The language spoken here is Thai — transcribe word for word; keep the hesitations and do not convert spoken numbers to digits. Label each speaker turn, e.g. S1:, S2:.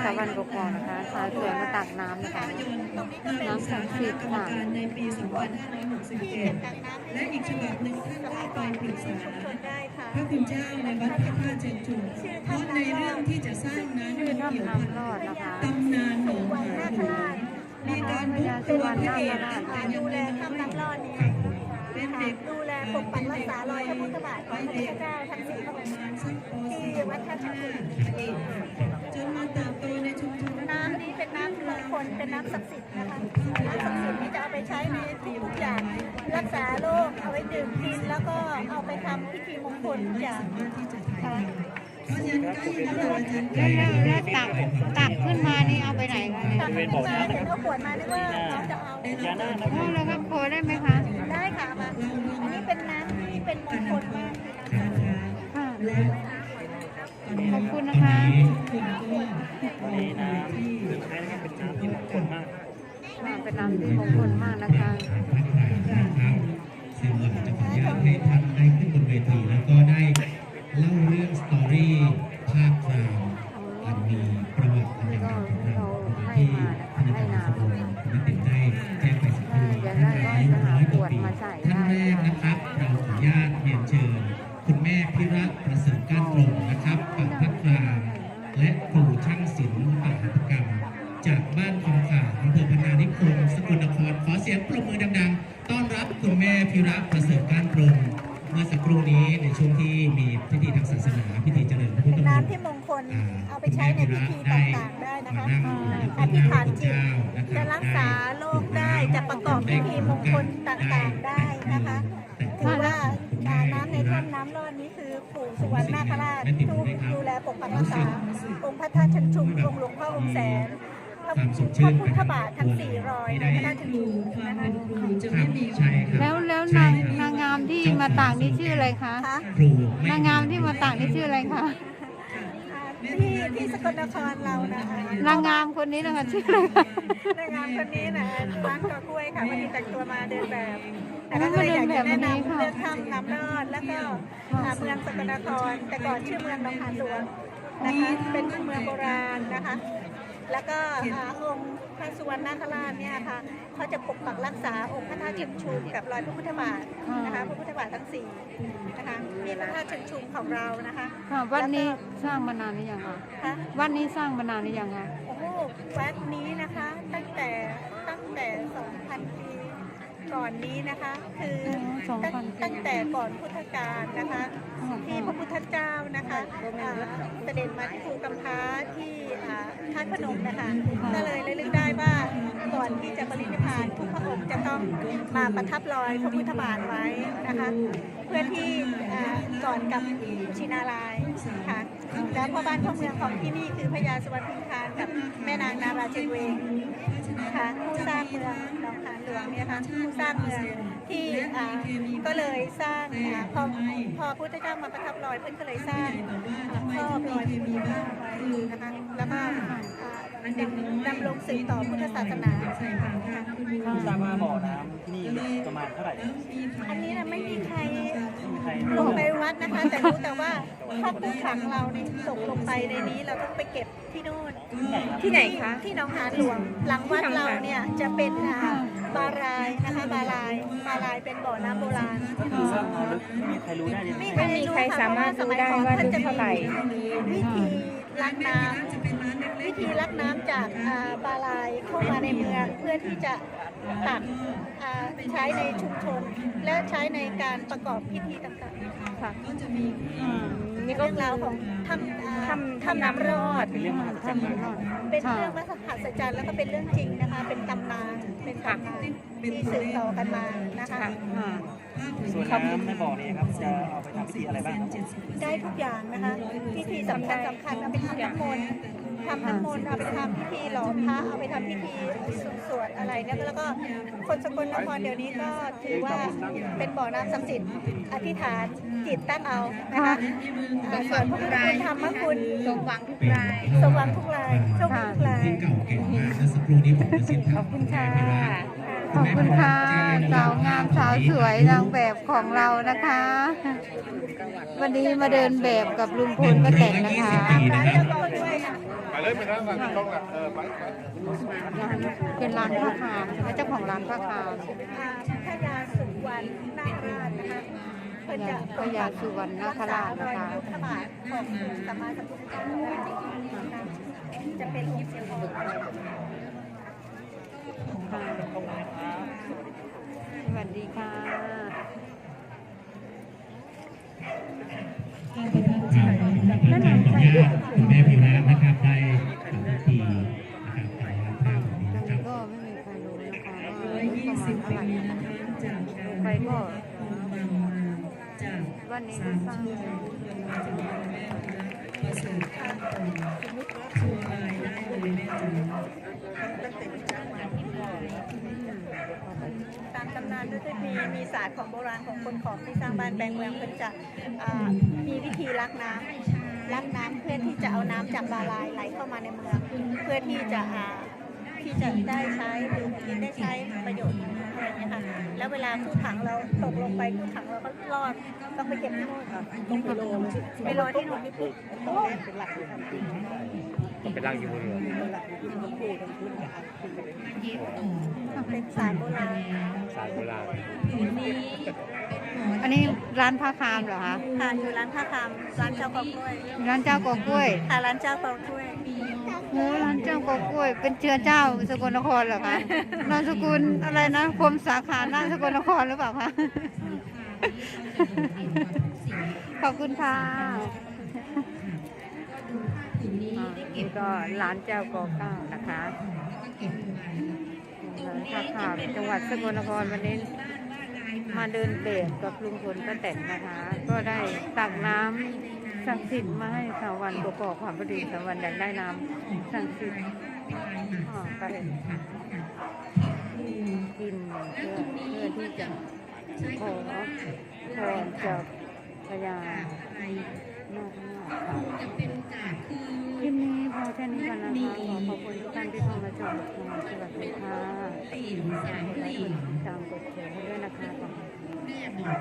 S1: ชาวบ้านกกอกนะคะสาวสวยมาตักน้ำนะคะน้ำศักดิ์สิทธิ์ค่ะ
S2: ในปีสองพันห้าร้อยหกสิบเจ็ดและอีกฉบับหนึ่งท่านได้ไปปรึกษาพระคุณเจ้าในวัดพระธาตุเชิงชุมเพราะในเรื่องที่จะสร้างนั้นมันเกี่ยวพันตำนานหนองหานหลวงมีการบุกตัวพระเอกแต่ยังไม่น้อยเป็นเด็ก
S3: ดูแลปกปักรักษารอยพระพุทธบาทของพระพุทธเจ้าทั้งสี่พระองค์ที่วัดท่าช้าง
S2: จนมาเติบโตในชุมชน
S3: น้ำนี้เป็นน้ำมงคลเป็นน้ำศักดิ์สิทธิ์นะคะน้ำศักดิ์สิทธิ์ที่จะเอาไปใช้ในทุกอย่างรักษาโรคเอาไว้ดื่มกินแล้วก็เอาไปทำพิธีมงคลทุกอย่างค่ะ
S1: แล้วแล้วตักตักขึ้นมานี่เอาไปไหนคะ
S3: ตักขึ้นมาเห็นเอาขวดมานึกว่าน้องจะเอา
S1: แล้วก็โคได้ไหมคะ
S3: ได้ค่ะมาอันนี้เป็นน้ำที่เป็นมงคลมาก
S1: ค่ะขอบคุณนะคะ
S4: นี่น้ำใช้แล้วเป็นน้ำที่มงคลมาก
S1: เป็นน้ำที่มงคลมากนะคะ
S5: ซึ่งเราจะขออนุญาตให้ท่านได้ขึ้นบนเวทีแล้วก็ได้เล่าเรื่องสตอรี่ภาคกลางอันมีประวัติอันยาวนานของเราที่ท่านอาจารย์สมบูรณ์คุณติดได้แจ้งไปสักครู่ท่านอายุร้อยกว่าปีท่านแรกนะครับเราขออนุญาตเรียนเชิญคุณแม่พิระประเสริฐก้านตรงนะครับปักพักกลางและครูช่างศิลป์ปหัตถกรรมจากบ้านคำขาอำเภอพนานิคมสกลนครขอเสียงปรบมือดังๆต้อนรับคุณแม่พิระประเสริฐก้านตรงเมื่อสักครู่นี้ในช่วงที่มีพิธีทางศาสนาพิธีเจริญพระพุทธมนต์
S3: น้ำที่มงคลเอาไปใช้ในพิธีต่างๆได้นะคะอธิษฐานจิตจะรักษาโรคได้จะประกอบพิธีมงคลต่างๆได้นะคะถือว่าน้ำในถ้ำน้ำร้อนนี้คือปู่สุวรรณนาคราชผู้ดูแลปกปักรักษาองค์พระธาตุเชิงชุมองค์หลวงพ่อองค์แสนพระพุทธบาททั้งสี่รอยในพระธาตุเชิงชุมนะคะ
S1: แล้วแล้วนางนางงามที่มาต่างนี่ชื่ออะไรคะนางงามที่มาต่างนี่ชื่ออะไรคะ
S3: ที่ที่สกลนครเรานะคะ
S1: นางงามคนนี้นะคะชื่ออะไรคะ
S3: นางงามคนนี้นะร้านกอกล้วยค่ะวันนี้แต่งตัวมาเดินแบบแต่ก็เลยอยากจะแนะนำเรื่องถ้ำน้ำรอดแล้วก็เมืองสกลนครแต่ก่อนชื่อเมืองหนองหานหลวงนะคะเป็นเมืองโบราณนะคะแล้วก็องค์พระสุวรรณนาคราชเนี่ยค่ะเขาจะปกปักรักษาองค์พระธาตุเชิงชุมกับรอยพระพุทธบาทนะคะพระพุทธบาททั้งสี่นะคะมีพระธาตุเชิงชุมของเรานะคะ
S1: วัดนี้สร้างมานานหรือยังคะวัดนี้สร้างมานานหรือยังคะ
S3: โอ้โหวัดนี้นะคะตั้งแต่ตั้งแต่สองพันปีก่อนนี้นะคะคือตั้งแต่ก่อนพุทธกาลนะคะที่พระพุทธเจ้านะคะเสด็จมาที่ภูกำพร้าที่ธาตุพนมนะคะก็เลยระลึกได้ว่าก่อนที่จะปรินิพพานทุกพระองค์จะต้องมาประทับรอยพระพุทธบาทไว้นะคะเพื่อที่ก่อนกับชินารายค่ะแล้วพ่อบ้านพ่อเมืองของที่นี่คือพญาสวรรณพิมพานกับแม่นางนาราเจงเวงค่ะผู้สร้างเมืองหนองหานหลวงเนี่ยค่ะผู้สร้างเมืองที่ก็เลยสร้างพอพอพุทธเจ้ามาประทับรอยเพื่อนก็เลยสร้างครอบรอยพระพุทธเจ้าไว้นะคะแล้วก็ดำรงสืบต่อพุทธศาสนา
S4: ทราบว่าบ่อน้ำที่นี่ประมาณเท่าไหร่
S3: อันนี้นะไม่มีใครลงไปวัดนะคะแต่รู้แต่ว่าถ้าผู้ขังเราเนี่ยตกลงไปในนี้เราต้องไปเก็บที่นู่น
S1: ที่ไหนคะ
S3: ที่หนองหานหลวงหลังวัดเราเนี่ยจะเป็นบารายนะคะบารายบารายเป็นบ่อน้ำโบราณ
S4: ไม่มีใครรู้ได้เลย
S1: ไม่มีใครสามารถรู้ได้ว่าลึกเท่าไหร่
S3: วิธีลักน้ำวิธีลักน้ำจากบารายเข้ามาในเมืองเพื่อที่จะตักใช้ในชุมชนและใช้ในการประกอบพิธีต่างๆค่ะก็จะมีนี่ก็เรื่องราวของทำทำทำน้ำรอด
S4: เป็นเรื่องมหัศจรรย์
S3: เป็นเรื่องมหัศจรรย์แล้วก็เป็นเรื่องจริงนะคะเป็นตำนานเป็นตำนานที่สืบต่อกันมานะคะ
S4: ส่วนน้ำในบ่อนี้ครับจะเอาไปทำพิธีอะไรบ้าง
S3: ได้ทุกอย่างนะคะพิธีสำคัญสำคัญเอาไปทำน้ำมนต์ทำน้ำมนต์เอาไปทำพิธีหล่อพระเอาไปทำพิธีสวดอะไรเนี่ยแล้วก็คนสกลนครเดี๋ยวนี้ก็ถือว่าเป็นบ่อน้ำศักดิ์สิทธิ์อธิษฐานจิตตั้งเอานะคะส่วนพวกเราทำมะคุณ
S1: สมหวังทุกราย
S3: สมหวังทุกรายโชคดีทุกราย
S5: เก่าเก่งมากสักครู่นี้ผมจะสิ้น
S1: ขอบคุณค่ะขอบคุณค่ะสาวงามสาวสวยนางแบบของเรานะคะวันนี้มาเดินแบบกับลุงพลป้าแตนนะคะ
S6: ไปทางหลังต้องหลังเออไปไป
S1: ร้านเป็นร้านผ้าคามใช่ไหมเจ้าของร้านผ้าคาม
S3: อ่าพญาสุวรรณนาคราชนะคะเพิ่นจะ
S1: พญาสุวรรณนาคราชนะคะ
S3: รักษารอยพระบาทของสัมมาสัมพุทธเจ้านะคะจะเป็นองค์เสียงทอง
S1: สวัสดีค่ะ
S5: แล้วหนังขออนุญาตคุณแม่พิระนะครับได้ทำพิธีนะครับถ่ายภาพแบบนี้
S1: ตรง
S5: นะครับ
S1: นี้ก็ไม่มีใครรู้นะคะ
S2: ร้
S1: ว่า
S2: อยยี่
S1: ประมา
S2: สิ
S1: ณ
S2: บ
S1: เท่า
S2: ปี
S1: ไหร่
S2: นะคะจากการ
S1: ไปก็
S2: บางมาจาก
S1: วันนี้
S2: สา
S1: ก็
S2: ม
S1: สร้าง
S2: ช่วงมาจากแม่พิระประเสริฐข้ามตรงชัวร์รายได้เลยแม่จ๋า
S3: ตามตำนานก็จะมีมีศาสตร์ของโบราณของคนของที่สร้างบ้านแปลงเมืองเพิ่นจะอ่ามีวิธีลักน้ำลักน้ำเพื่อที่จะเอาน้ำจากบาลายไหลเข้ามาในเมือง เพื่อที่จะอ่าที่จะได้ใช้ดื่มกินได้ใช้ประโยชน์อะไรอย่างเงี้ยค่ะแล้วเวลาคู่ถังเราตกลงไปคู่ถังเราก็รอดต้องไปเก็บที่โน่นต้องไปรอไปรอที่โน่นที่ปุ๊บเป็นหลัก
S4: ต้องไปล่างอยู่บนเรือ
S3: เป็นศาสตร์โบราณ
S4: สายโบราณ
S1: อันนี้ร้านผ้าคามเหรอคะ
S3: ค่ะอยู่ร้านผ้าคำร้านเจ้ากอกล้วย
S1: ร้านเจ้ากอกล้วย
S3: ค่ะร้านเจ้ากอกล้วย
S1: โอ้ร้านเจ้ากอกล้วย เป็นเชื้อเจ้าสกลนครเหรอคะนามสกุลอะไรนะกรมสาขาหน้าสกลนครหรือเปล่าคะ ขอบคุณค่ะอ่านี่ก็ร้านเจ้ากอเก้านะคะร้านผ้าขาวจังหวัดสกลนครวันนี้มาเดินเบรกกับลุงพลป้าแตนนะคะ ก็ได้ตักน้ำศักดิ์สิทธิ์มาให้สาววันประกอบความพอดีสาววันอยากได้น้ำศักดิ์สิทธิ์อ่าไปกินเพื่อเพื่อที่จะขอพรจากพญานาคราชค่ะคลิปนี้พอแค่นี้ก่อนนะคะ ขอขอบคุณทุกท่านที่เข้ามาชมค่ะสวัสดีค่ะกดไลค์กดติดตามกดแชร์ให้ด้วยนะคะ